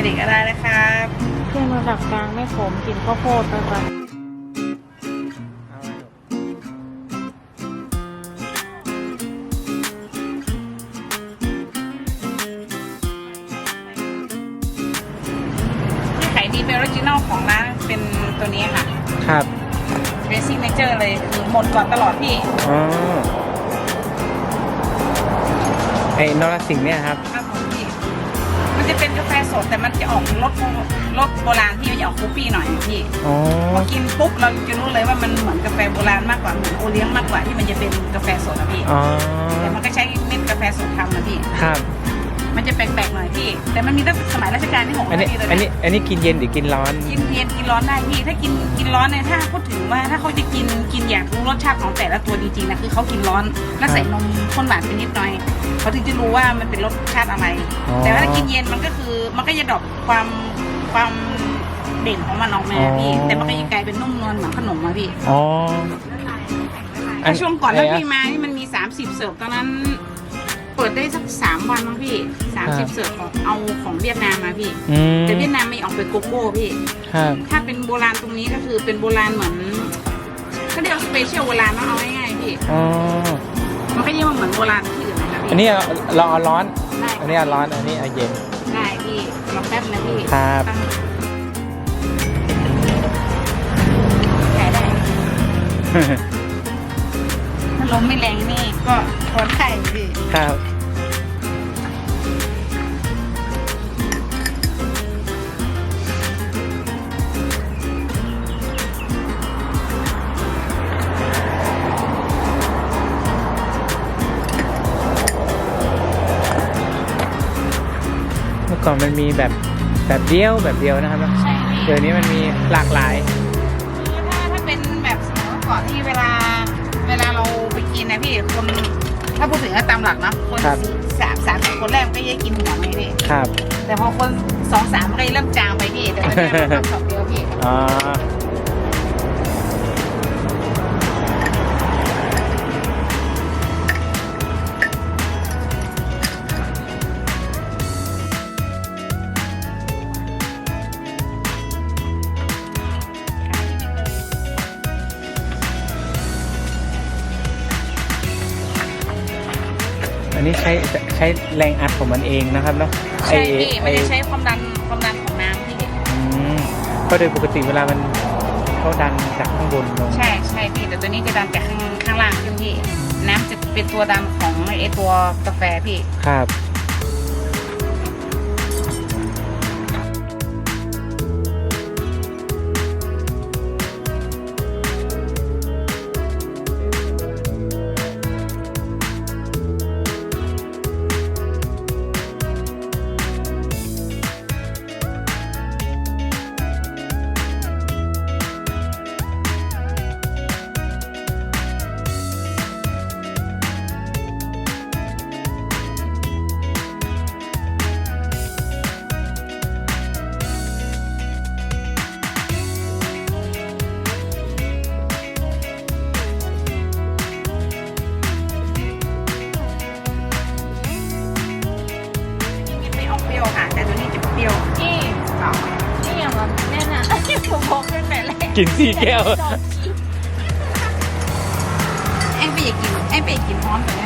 ด็กก็ได้นะครับเครื่องระดับกลางไม่ขมกลิ่นข้าวโพดนะคะที่ขายดีเป็นออริจินอลของร้านเป็นตัวนี้ค่ะครับเป็นซิกเนเจอร์เลยคือหมดก่อนตลอดพี่อ๋อไอ้นรสิงห์เนี่ยครับครับผมพี่มันจะเป็นกาแฟสดแต่มันจะออกรสโบราณที่มันจะออกคุปปี้หน่อยพี่พอกินปุ๊บเราจะรู้เลยว่ามันเหมือนกาแฟโบราณมากกว่าเหมือนโอเลี้ยงมากกว่าที่มันจะเป็นกาแฟสดนะพี่แต่มันก็ใช้เม็ดกาแฟสดทำนะพี่ครับมันจะแปลกๆหน่อยพี่แต่มันมีตั้งสมัยรัชกาลที่ 6 อันนี้กินเย็นหรือกินร้อนกินเย็นกินร้อนได้พี่ถ้ากินร้อนเนี่ยถ้าพูดถึงว่าถ้าเขาจะกินอยากรู้รสชาติของแต่ละตัวจริงๆนะคือเขากินร้อนแล้วใส่นมข้นหวานไปนิดหน่อยเขาถึงจะรู้ว่ามันเป็นรสชาติอะไรแต่ว่าถ้ากินเย็นมันก็คือมันก็จะดรอปความเด่นของมันออกมาพี่แต่มันก็จะกลายเป็นนุ่มนวลเหมือนขนมมาพี่ถ้าช่วงก่อนที่พี่มานี่มันมี30เสิร์ฟตอนนั้นเปิดได้สัก3 วันมั้งพี่30เสิร์ฟเอาของเวียดนามมาพี่แต่เวียดนามไม่ออกไปโกโก้พี่ถ้าเป็นโบราณตรงนี้ก็คือเป็นโบราณเหมือนเขาเรียกสเปเชียลโบราณเอาง่ายๆพี่มันก็ยังเหมือนโบราณที่อื่นนะครับพี่อันนี้เราเอาร้อนอันนี้เอาร้อนอันนี้เอาเย็นได้พี่รอแป๊บนะพี่ครับขายได้ถ้าลมไม่แรงนี่ก็พอได้พี่ครับเมื่อก่อนมันมีแบบเดียวนะครับใช่เดี๋ยวนี้มันมีหลากหลายถ้าเป็นแบบสมัยก่อนที่เวลาเราไปกินนะพี่คนถ้าพูดถึงตามหลักนะคน3-4 คนแรกก็ยังกินหัวไม่พี่ครับแต่พอคน2-3มันก็เริ่มจางไปพี่แต่ตอนนี้เราทำ2 เดียวพี่อันนี้ใช้แรงอัดของมันเองนะครับเนาะใช่พี่มันจะใช้ความดันของน้ำพี่ก็โดยปกติเวลามันเขาดันจากข้างบนลงใช่พี่แต่ตัวนี้จะดันจากข้างล่างขึ้นพี่น้ำจะเป็นตัวดันของไอตัวกาแฟพี่ครับแต่ตัวนี้จะเปรี้ยวนี่อย่างแบบแน่นะที่ผมบอกตั้งแต่แรกกิน4 แก้วไอ้ไปอยากกินพร้อมกัน